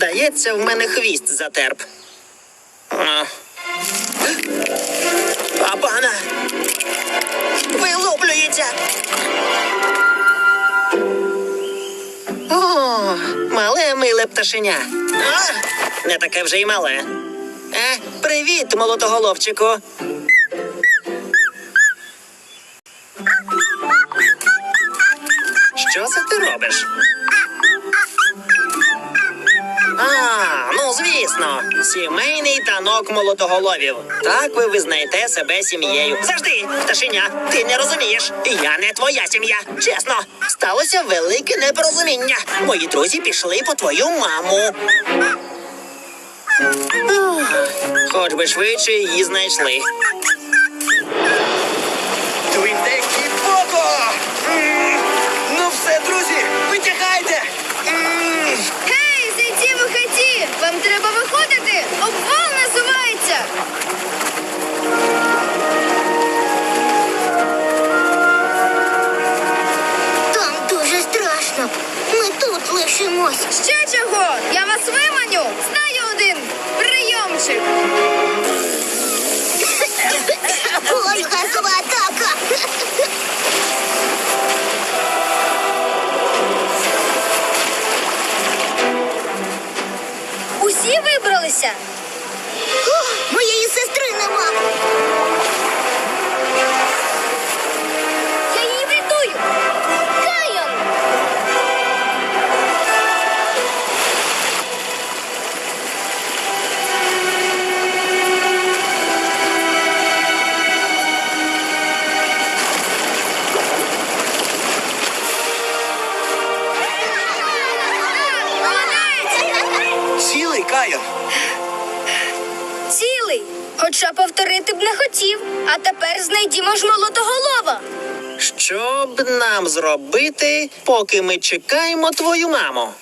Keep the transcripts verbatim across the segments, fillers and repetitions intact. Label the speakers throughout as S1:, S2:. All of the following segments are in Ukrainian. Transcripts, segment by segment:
S1: Здається, в мене хвіст затерп. А. Папана! Вилуплюється! О, мале миле пташеня. А, не таке вже й мале. Е, привіт, молотоголовчику. Що це ти робиш? А, ну звісно, сімейний танок молотоголовів. Так ви визнаєте себе сім'єю. Завжди, пташеня, ти не розумієш. Я не твоя сім'я. Чесно, сталося велике непорозуміння. Мої друзі пішли по твою маму. Ух, хоч би швидше її знайшли.
S2: Твіндекі Поко! Ну все, друзі, витягайте! М.
S3: Гей, зайці вихаті! Вам треба виходити! Обвал називається!
S4: Там дуже страшно. Ми тут лишимось.
S3: Ще чого? Я вас виманю! Знаю один прийомчик!
S4: Ой, газова атака.
S3: Усі вибралися?
S4: О, моєї сестри нема.
S3: Я її врятую! Кайон! Молодець!
S2: Цілий, Кайон.
S3: Цілий! Хоча повторити б не хотів. А тепер знайдімо ж молотоголова.
S1: Що б нам зробити, поки ми чекаємо твою маму?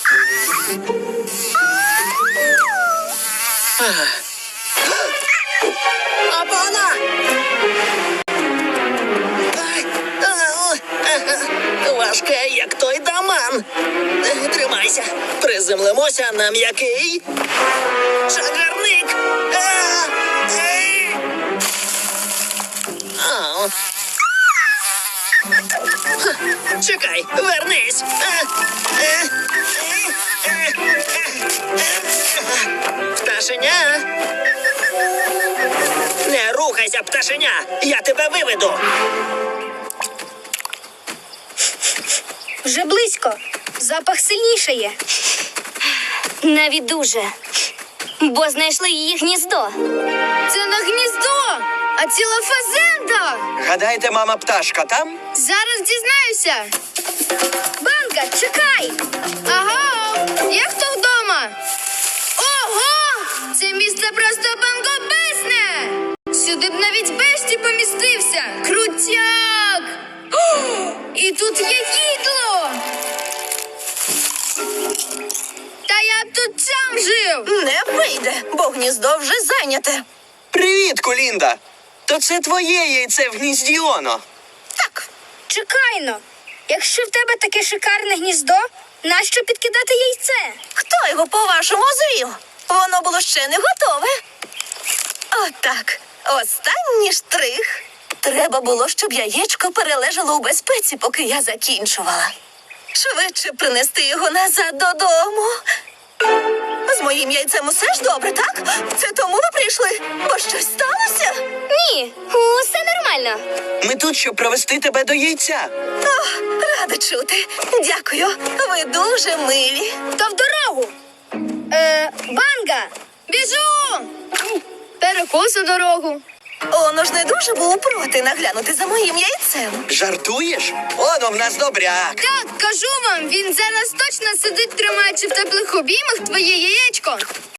S1: Ах. Апана! Ай, ау, ага, важке, як той даман. Е, Тримайся, приземлимося на м'який чагарник. А, ей. Ау. Чекай, вернись. Е, е, е, е, е. Пташеня. Не рухайся, пташеня. Я тебе виведу.
S3: Вже близько. Запах сильнішає. Навіть дуже. Бо знайшли її гніздо. Це не гніздо, а ціла фазенда.
S2: Гадаєте, мама пташка там?
S3: Зараз дізнаюся. Банка, чекай. Ага, є хто вдома? Ого! Це місце просто бангобесне! Сюди б навіть бешті помістився. Крутяк! О, і тут є їдло! Та я б тут сам жив!
S5: Не вийде, бо гніздо вже зайняте.
S2: Привіт, Колінда! То це твоє яйце в гнізді Оно.
S5: Так,
S3: Чекайно, якщо в тебе таке шикарне гніздо, нащо підкидати яйце?
S5: хто його, по-вашому, звів? Воно було ще не готове. Отак, останній штрих. Треба було, щоб яєчко перележало у безпеці, поки я закінчувала. Швидше принести його назад додому. З моїм яйцем усе ж добре, так? Це тому ви прийшли, бо щось сталося?
S3: Ні, усе нормально.
S2: Ми тут, щоб провести тебе до яйця.
S5: О, рада чути. Дякую, ви дуже милі.
S3: То в дорогу. Е, банга, біжу! Перекусу дорогу.
S5: Оно ж не дуже був проти наглянути за моїм яйцем.
S2: Жартуєш? Оно в нас добряк.
S3: Так, кажу вам, він зараз точно сидить, тримаючи в теплих обіймах твоє яєчко.